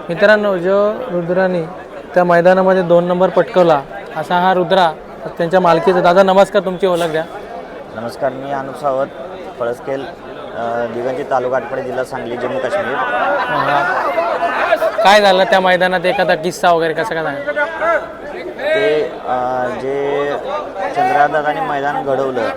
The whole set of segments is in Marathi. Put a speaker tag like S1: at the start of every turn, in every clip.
S1: मित्रांनो, जो रुद्राने त्या मैदानामध्ये 2 नंबर पटकवला असा हा रुद्रा त्यांच्या मालकीचा. दादा नमस्कार, तुमची ओळख द्या.
S2: नमस्कार, मी अनुप सावत, फळसखेल, दिगंजी तालुका आटपाडी, जिल्हा सांगली, जम्मू काश्मीर.
S1: काय झालं त्या मैदानात, एखादा किस्सा वगैरे कसा काय झाला?
S2: ते जे चंद्रदादाने मैदान घडवलं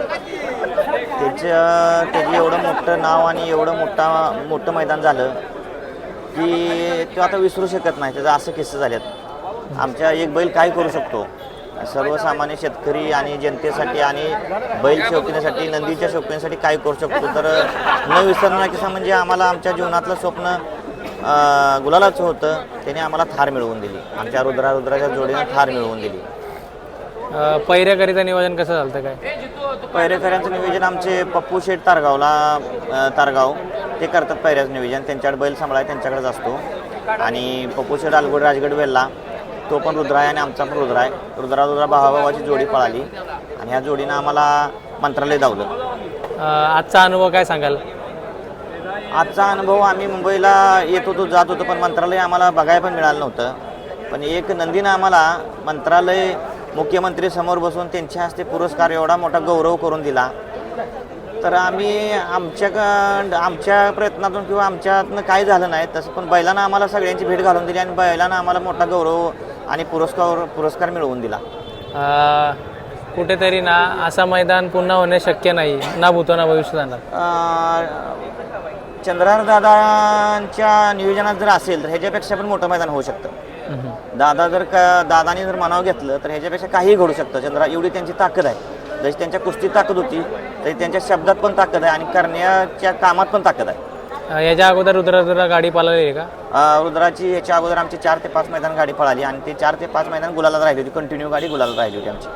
S2: त्याची एवढं मोठं नाव आणि एवढं मोठं मैदान झालं की तो आता विसरू शकत नाही. त्याचा असं किस्से झालेत. आमच्या एक बैल काय करू शकतो, सर्वसामान्य शेतकरी आणि जनतेसाठी आणि बैल शौकीनासाठी, नंदीच्या शौकीनासाठी काय करू शकतो, तर न विसरणारा किस्सा म्हणजे आम्हाला आमच्या जीवनातलं स्वप्न गुलालाचं होतं. त्याने आम्हाला थार मिळवून दिली. आमच्या रुद्राच्या जोडीनं थार मिळवून दिली.
S1: पहिऱ्याकरिता नियोजन कसं झालं काय?
S2: पहिरेकऱ्यांचं नियोजन आमचे पप्पू शेठ तारगाव ते करतात. पहिऱ्याचं नियोजन त्यांच्याकडे बैल सांभाळाय त्यांच्याकडेच असतो. आणि पप्पू शेठ आलगोड राजगड वेल्ला, तो पण रुद्रा आहे आणि आमचा पण रुद्रा आहे. रुद्रा भावाभावाची जोडी पळाली आणि ह्या जोडीनं आम्हाला मंत्रालय धावलं.
S1: आजचा अनुभव काय सांगाल?
S2: आजचा अनुभव, आम्ही मुंबईला येत होतो, जात होतो, पण मंत्रालय आम्हाला बघायला पण मिळालं नव्हतं. पण एक नंदीनं आम्हाला मंत्रालय मुख्यमंत्री समोर बसून त्यांच्या हस्ते पुरस्कार, एवढा मोठा गौरव करून दिला. तर आम्ही आमच्या प्रयत्नातून किंवा आमच्यातनं काय झालं नाही तसं, पण बैलानं आम्हाला सगळ्यांची भेट घालून दिली आणि बैलानं आम्हाला मोठा गौरव आणि पुरस्कार मिळवून दिला.
S1: कुठेतरी ना असं मैदान पुन्हा होणे शक्य नाही, ना भूतो ना भविष्य जाणार.
S2: चंद्रहार दादांच्या नियोजनात जर असेल तर ह्याच्यापेक्षा पण मोठं मैदान होऊ शकतं. दादानी जर मनाव घेतलं तर ह्याच्यापेक्षा काहीही घडू शकतं. चंद्रा एवढी त्यांची ताकद आहे. जशी त्यांच्या कुस्तीत ताकद होती तरी त्यांच्या शब्दात पण ताकद आहे आणि करण्याच्या कामात पण ताकद आहे.
S1: याच्या अगोदर रुद्रा गाडी पळाली आहे का?
S2: रुद्राची याच्या अगोदर आमची 4 ते 5 मैदान गाडी पळाली आणि ते 4 ते 5 मैदान गुलालात राहिली होती. कंटिन्यू गाडी गुलालात राहिली होती आमची.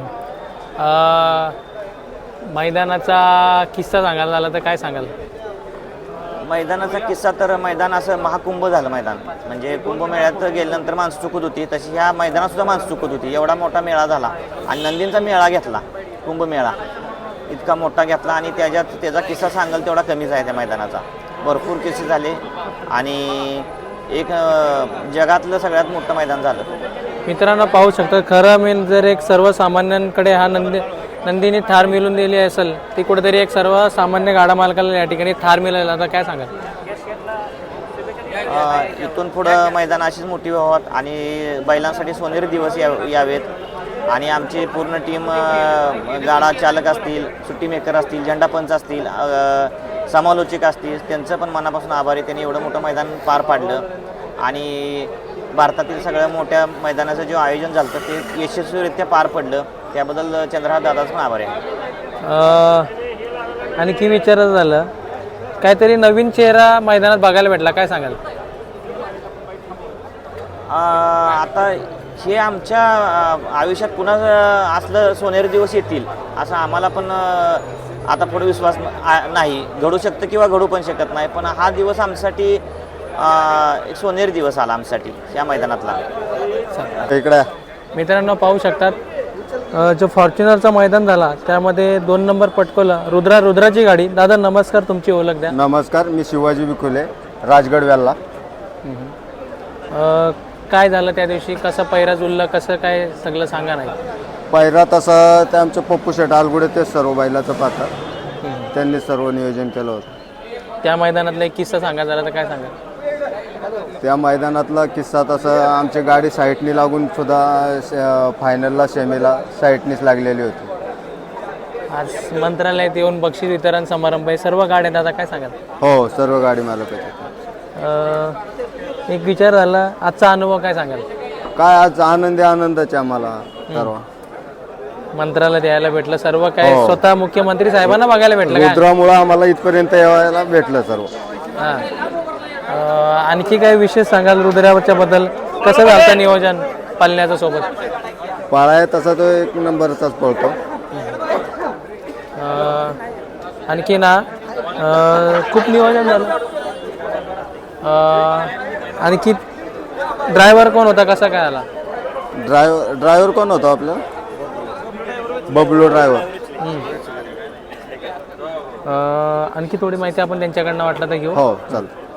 S1: मैदानाचा किस्सा सांगायला झाला तर काय सांगाल?
S2: मैदानाचा किस्सा तर मैदान असं महाकुंभ झालं मैदान. म्हणजे कुंभमेळ्यात गेल्यानंतर माणसं चुकत होती, तशी ह्या मैदानात सुद्धा माणसं चुकत होती. एवढा मोठा मेळा झाला आणि नंदींचा मेळा घेतला, कुंभमेळा इतका मोठा घेतला आणि त्याचा किस्सा सांगाल तेवढा कमीच आहे. त्या मैदानाचा भरपूर किस्से झाले आणि एक जगातलं सगळ्यात मोठं मैदान झालं.
S1: मित्रांनो, पाहू शकता, खरं मेन जर एक सर्वसामान्यांकडे हा नंदीने थार मिळवून दिली असेल, ती कुठेतरी एक सर्वसामान्य गाडा मालकाला या ठिकाणी थार मिळाली. आता काय सांगाल?
S2: इथून पुढं मैदान अशीच मोठी व्हावं आणि बैलांसाठी सोनेरी दिवस यावेत आणि आमची पूर्ण टीम, गाडा चालक असतील, सुट्टी मेकर असतील, झेंडापंच असतील, समालोचक असतील, त्यांचं पण मनापासून आभारी. त्यांनी एवढं मोठं मैदान पार पाडलं आणि भारतातील सगळ्या मोठ्या मैदानाचं जे आयोजन झालं ते यशस्वीरित्या पार पडलं. त्याबद्दल चंद्रहार दादाचं पण आभारी आहे.
S1: आणखी विचारायचं झालं, काहीतरी नवीन चेहरा मैदानात बघायला भेटला, काय सांगाल?
S2: आता हे आमच्या आयुष्यात पुन्हा असलं सोनेरी दिवस येतील असं आम्हाला पण आता पुढे विश्वास नाही. घडू शकतं किंवा घडू पण शकत नाही, पण हा दिवस आमच्यासाठी एक सोनेरी दिवस आला आमच्यासाठी या मैदानातला.
S1: इकडे मित्रांनो पाहू शकतात, जो फॉर्च्युनरचा मैदान झाला त्यामध्ये 2 नंबर पटकवला रुद्राची गाडी. दादा नमस्कार, तुमची ओळख द्या.
S3: नमस्कार, मी शिवाजी विखुले, राजगड वेल्ला.
S1: काय झालं त्या दिवशी, कसं पैरा जुळलं, कसं काय सगळं सांगा नाही?
S3: पहिला तसं ते आमचे पप्पू शेठ आलगुडे ते सर्व बैलाचं पाहतात, त्यांनी सर्व नियोजन केलं होतं.
S1: त्या मैदानातला एक किस्सा सांगा झाला तर काय सांगा?
S3: त्या मैदानातला किस्सा तसं आमची गाडी साईटनी लागून सुद्धा फायनलला सेमीला साईटनीच लागलेली होती.
S1: आज मंत्रालयात येऊन बक्षीस वितरण समारंभ आहे, सर्व गाड्या. दादा काय सांगाल?
S3: हो, सर्व गाडी मालक.
S1: एक विचार झाला, आजचा अनुभव काय सांगाल?
S3: काय आज आनंदाचे आम्हाला सर्व
S1: मंत्रालयात यायला भेटलं, सर्व काय स्वतः मुख्यमंत्री साहेबांना बघायला भेटलं.
S3: रुद्रामुळे आम्हाला इथपर्यंत यायला भेटलं सर्व.
S1: आणखी काय विशेष सांगाल रुद्राच्या बद्दल? कसं झालं नियोजन पालण्याच्या सोबत?
S3: पाळाय तसा तो 1 नंबरचाच पळतो.
S1: आणखी ना खूप नियोजन झालं. आणखी ड्रायव्हर कोण होता, कसा काय आला?
S3: ड्रायव्हर कोण होता आपला? बबलू ड्रायव्हर.
S1: आणखी थोडी माहिती आपण त्यांच्याकडनं वाटलं तर घेऊ.
S3: हो, चालतं.